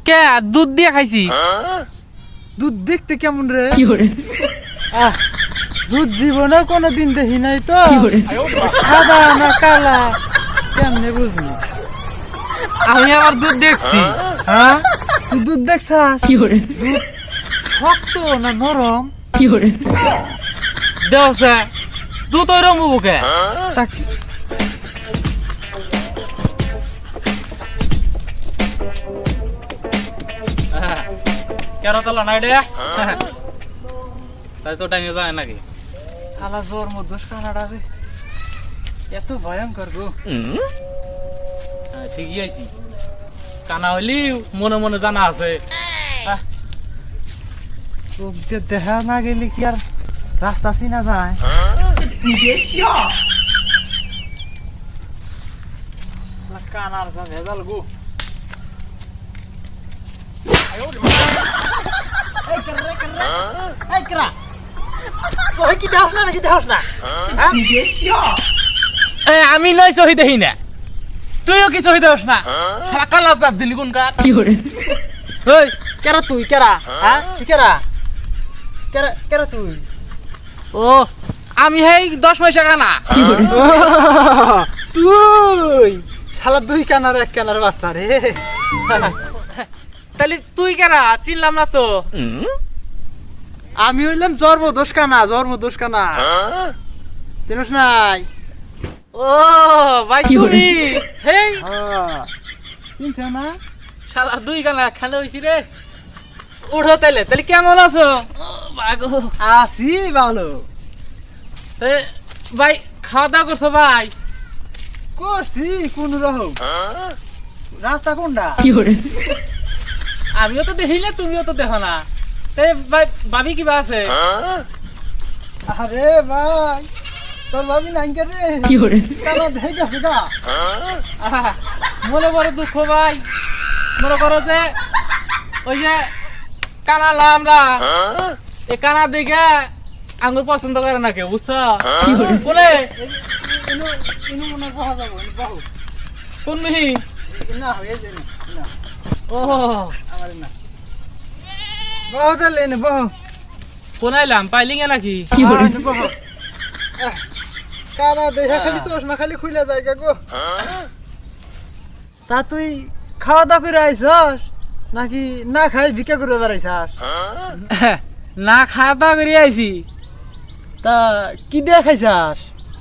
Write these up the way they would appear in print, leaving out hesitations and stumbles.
কে দুধ দিয়ে খাইছি। দুধ দেখতে কেমন রে? দুধ জীবনে কোনোদিন দেখি নাই তো। সাদা না কালা কেমনে বুঝবো? আমি আবার দুধ দেখছি। হ্যাঁ, তুই দুধ দেখছাস? দুধ শক্ত না নরম? দেওছে দুধ ওই রঙ বুকে। তা কেন তোলা নাই রে? তাই তো টাইমে যায় নাকি? খালা জ্বর মধ্যে কানাডা আছে, এত ভয়ঙ্কর গো। ঠিকই আইছি, কানা হইলি মনে মনে জানা আছে। চোখ দিয়ে দেখা না গেলে কি আর রাস্তা চিনা যায়? কানার যা ভেজাল গো। আমি নয় সহি দেখি না, তুইও কি সহি দেস না? কালা চাপ দিলি কোন কার? ওই কেরা তুই কেরা? হ্যাঁ তুই কেরা? কেরা কেরা তুই? ও আমি হেই 10 পয়সা কানা। তুই শালা দুই কানার এক কানার বাচ্চা রে। তাহলে তুই কেরা? চিনলাম না তো। আমি হইলাম জন্মদোষ কানা, জন্মদোষ কানা। চিনিস নাই? ও ভাই তুমি হেই চিনছ না? শালা দুই কানা খেলে হইছি রে। উঠো তাইলে, তাহলে কেমন আছো? আছি ভালো। ভাই খাওয়া দাওয়া করছো ভাই? করছি কোন রকম। রাস্তা কোনটা? আমিও তো দেখি না, তুমিও তো দেখো না। ভাই ভাবি কিবা আছে? আরে ভাই তোর ভাবি নাই কে রে? কানা দেখে গেছে গা। মনে বড় দুঃখ ভাই, মনে করো যে ওই যে কানা লামরা, এই কানা দিকে আঙ্গুর পছন্দ করে না কেউ, বুঝছো? বলে কোন মিহি না হয়েছে না। ও আমার না বহুত লেনে বহু কোন আইলাম পাইলিঙ্গে নাকি? কানা দেখা খালি চশমা খালি খুলে যায় গো। তা তুই খাওয়া দাওয়া করে আইছস নাকি না খাই ভিক্ষা করে বেড়াইছাস? না খাওয়া দাওয়া করে আইছি। তা কি দিয়ে খাইছাস?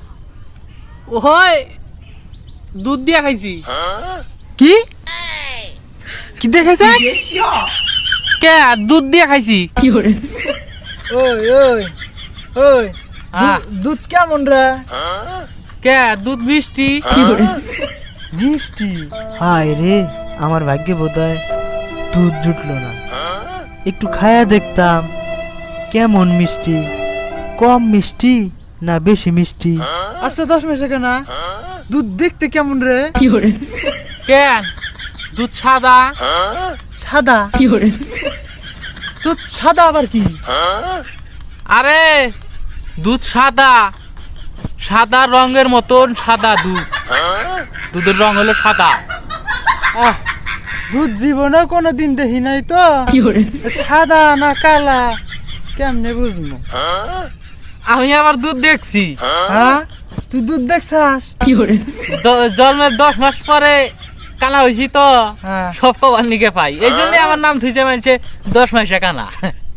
ওই দুধ দিয়া খাইছি। কি কি দিয়ে খাইছাস? কে দুধ দিয়া খাইছি। ওই ওই ওই দুধ কেমন রে? কে দুধ মিষ্টি। মিষ্টি? হায় রে, আমার ভাগ্যে বোধহয় দুধ জুটলো না। একটু খায়া দেখতাম কেমন মিষ্টি, কম মিষ্টি না বেশি মিষ্টি। আচ্ছা 10 মাসে কেনা দুধ দেখতে কেমন রে? কে দুধ সাদা। সাদা? দুধ সাদা আবার কি? আরে দুধ সাদা, সাদা রঙের মতন সাদা দুধ, দুধের রং হলো সাদা। আহ, দুধ জীবনে কোনোদিন দেখি নাই তো। সাদা না কালা কেমনে বুঝবো? আমি আবার দুধ দেখছি। হ্যাঁ তুই দুধ দেখছাস? জন্মের 10 মাস পরে কানা হয়েছি তো, হ্যাঁ। সব খবর নিকে পাই, এই জন্য আমার নাম থুইছে মানুষে 10 মাসে কানা।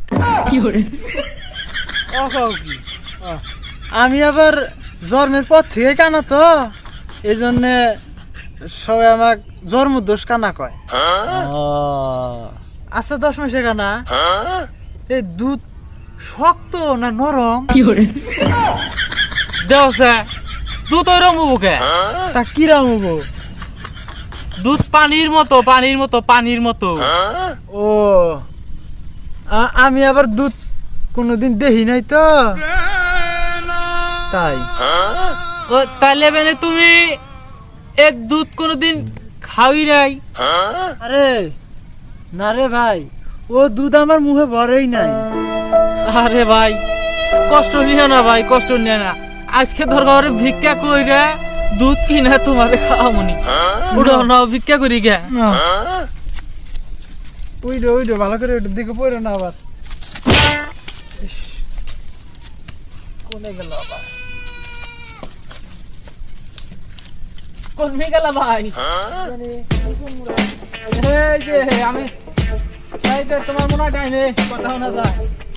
আমি আবার জন্মের পর থেকে কানা তো, এই জন্য সবাই আমাক জন্মদোষ কানা কয়। আচ্ছা 10 মাসে কানা, এই দুধ শক্ত না নরম? দেওছে দুধ ওই রঙ বুকে। তা কিরাম হবো? দুধ পানির মতো, পানির মতো, পানির মতো। ও আমি আবার দুধ কোনোদিন দেখি নাই তো, তাই। ও তাইলে মানে তুমি এক দুধ কোনোদিন খাওই নাই? আরে না রে ভাই, ও দুধ আমার মুখে ভরেই নাই। আরে ভাই কষ্ট নিও না ভাই, কষ্ট নিও না। আজকে দরকার ভিক্ষা কইরা দুধ কিনা তোমারে খাওয়ামনি। উড়ো নাও ভিক্ষা করি গে। উইডো ভালো করে ওইটার দিকে পড়ো না আবার। কোনে গেল আবার? কোন মেয়ে গেল ভাই? এই যে আমি এই যে তোমার মনে হয় ডাইনে কথা শোনা যায়।